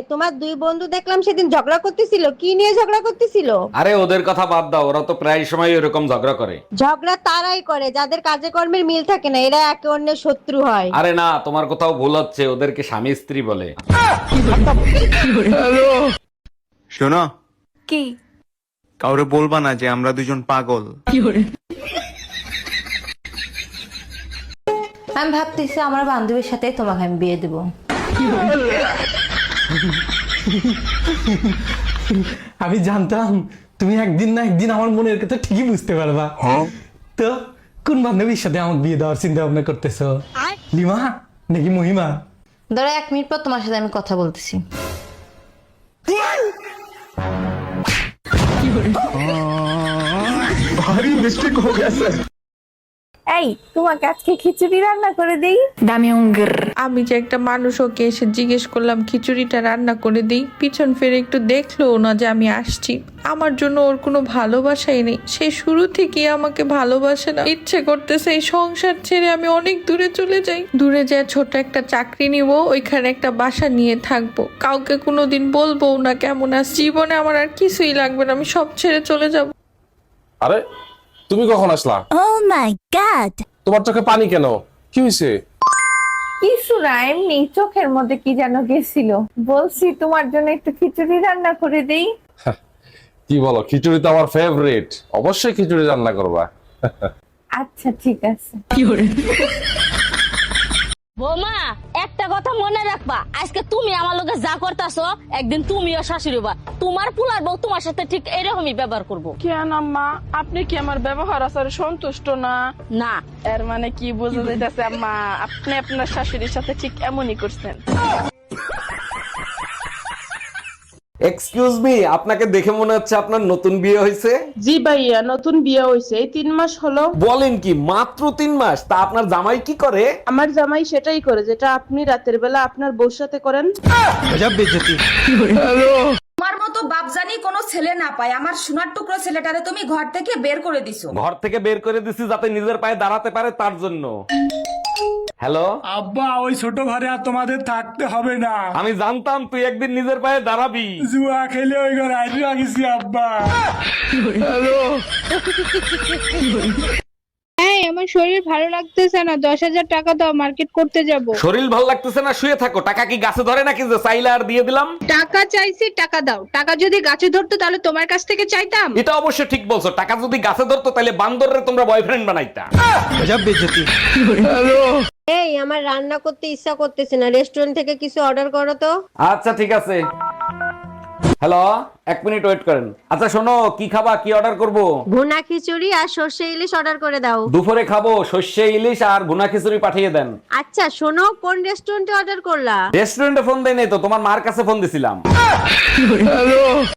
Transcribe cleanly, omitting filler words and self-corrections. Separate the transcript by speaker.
Speaker 1: তোমার দুই বন্ধু দেখলাম সেদিন ঝগড়া করতেছিল, কি নিয়ে ঝগড়া করতেছিল?
Speaker 2: আরে ওদের কথা বাদ দাও, ওরা তো প্রায় সময় এরকম ঝগড়া করে।
Speaker 1: ঝগড়া তারাই করে যাদের কাজে কর্মের মিল থাকে না, এরা একে অন্যের শত্রু হয়।
Speaker 2: আরে না, তোমার কোথাও ভুল হচ্ছে, ওদেরকে স্বামী স্ত্রী বলে।
Speaker 3: শোনো,
Speaker 4: কি?
Speaker 3: কাউরে বলবা না যে আমরা দুজন পাগল।
Speaker 4: আমি ভাবতেছি আমার বান্ধবীর সাথে তোমাকে আমি বিয়ে দেবো।
Speaker 5: আমি জানতাম তুমি একদিন না একদিন আমার মনের কথা ঠিকই বুঝতে পারবা। তো কোন বান্ধবীর সাথে আমার বিয়ে দেওয়ার চিন্তা ভাবনা করতেছো? লিমা নাকি মহিমা?
Speaker 4: ধরো 1 মিনিট পর তোমার সাথে আমি কথা বলতেছি।
Speaker 6: এই তোমাকে আজকে খিচুড়ি রান্না করে দেই।
Speaker 7: আমি যে একটা মানুষ, ওকে এসে জিজ্ঞেস করলাম খিচুড়িটা রান্না করে দিই, পিছন ফিরে একটু দেখলো না যে আমি আসছি। আমার জন্য ওর কোনো ভালোবাসাই নেই, সে শুরু থেকে আমাকে ভালোবাসে না। ইচ্ছে করতেছে এই সংসার ছেড়ে আমি অনেক দূরে চলে যাই, দূরে যায় ছোট একটা চাকরি নিব, ওইখানে একটা বাসা নিয়ে থাকবো, কাউকে কোনোদিন বলবো না কেমন আছি। জীবনে আমার আর কিছুই লাগবে না, আমি সব ছেড়ে চলে যাব।
Speaker 8: আরে তুমি কখন আসলা?
Speaker 6: ও মাই গড,
Speaker 8: তোমার চোখে পানি কেন? কি হয়েছে?
Speaker 6: কিছু না, এমনি চোখের মধ্যে কি যেন গেছিল। বলছি তোমার জন্য একটু খিচুড়ি রান্না করে দেই।
Speaker 8: কি বলো, খিচুড়ি তো আমার ফেভারিট, অবশ্যই খিচুড়ি রান্না করবা।
Speaker 6: আচ্ছা ঠিক আছে।
Speaker 9: বৌমা, একটা কথা মনে রাখবা, আজকে তুমি আমার লগে যা করতেছো, একদিন তুমিও শাশুড়ি হবা। তোমার পুলার বউ তোমার সাথে ঠিক এরকমই ব্যবহার করবো।
Speaker 7: কেন আম্মা, আপনি কি আমার ব্যবহার আচারে সন্তুষ্ট না?
Speaker 9: না,
Speaker 7: এর মানে কি বোঝা যাইতেছে আম্মা, আপনি আপনার শাশুড়ির সাথে ঠিক এমনই করছেন।
Speaker 2: এক্সকিউজ মি, আপনাকে দেখে মনে হচ্ছে আপনার নতুন বিয়ে হয়েছে।
Speaker 7: জি ভাইয়া, নতুন বিয়ে হয়েছে, এই 3 মাস হলো।
Speaker 2: বলেন কি, মাত্র 3 মাস? তা আপনার জামাই কি করে?
Speaker 7: আমার জামাই সেটাই করে যেটা আপনি রাতের বেলা আপনার বউর সাথে করেন।
Speaker 10: তোমার মতো বাপজানি কোনো ছেলে না পায়, আমার সোনার টুকরো ছেলেটারে তুমি ঘর থেকে বের করে দিছো।
Speaker 2: ঘর থেকে বের করে দিছি যাতে নিজের পায়ে দাঁড়াতে পারে, তার জন্য। হ্যালো
Speaker 5: আব্বা, ওই ছোট ঘরে আর তোমাদের থাকতে হবে না।
Speaker 2: আমি জানতাম তুই একদিন নিজের পায়ে দাঁড়াবি।
Speaker 5: জুয়া খেলে ওই ঘরে আইডিয়া গেছি আব্বা।
Speaker 7: এই আমার শরীর ভালো লাগতেছে না, 10,000 টাকা দাও, মার্কেট করতে যাব।
Speaker 2: শরীর ভাল লাগতেছে না, শুয়ে থাকো। টাকা কি গাছে ধরে নাকি যে চাইলে আর দিয়ে দিলাম?
Speaker 7: টাকা চাইছি, টাকা দাও। টাকা যদি গাছে ধরতো তাহলে তোমার কাছ থেকে চাইতাম।
Speaker 2: এটা অবশ্য ঠিক বলছো, টাকা যদি গাছে ধরতো তাহলে বান্দররে তোমরা বয়ফ্রেন্ড বানাইতা।
Speaker 1: এই আমার রান্না করতে ইচ্ছা করতেছে না, রেস্টুরেন্ট থেকে কিছু অর্ডার করো তো।
Speaker 2: আচ্ছা ঠিক আছে। হ্যালো, 1 মিনিট ওয়েট করেন। আচ্ছা শোনো, কি খাবা, কি অর্ডার করব?
Speaker 1: ভুনা খিচুড়ি আর সর্ষে ইলিশ অর্ডার করে দাও।
Speaker 2: দুপুরে খাবো সর্ষে ইলিশ আর ভুনা খিচুড়ি পাঠিয়ে দেন।
Speaker 1: আচ্ছা শোনো, কোন রেস্টুরেন্টে অর্ডার করলা?
Speaker 2: রেস্টুরেন্টে ফোন দেয় নাই তো, তোমার মার কাছে ফোন দিছিলাম।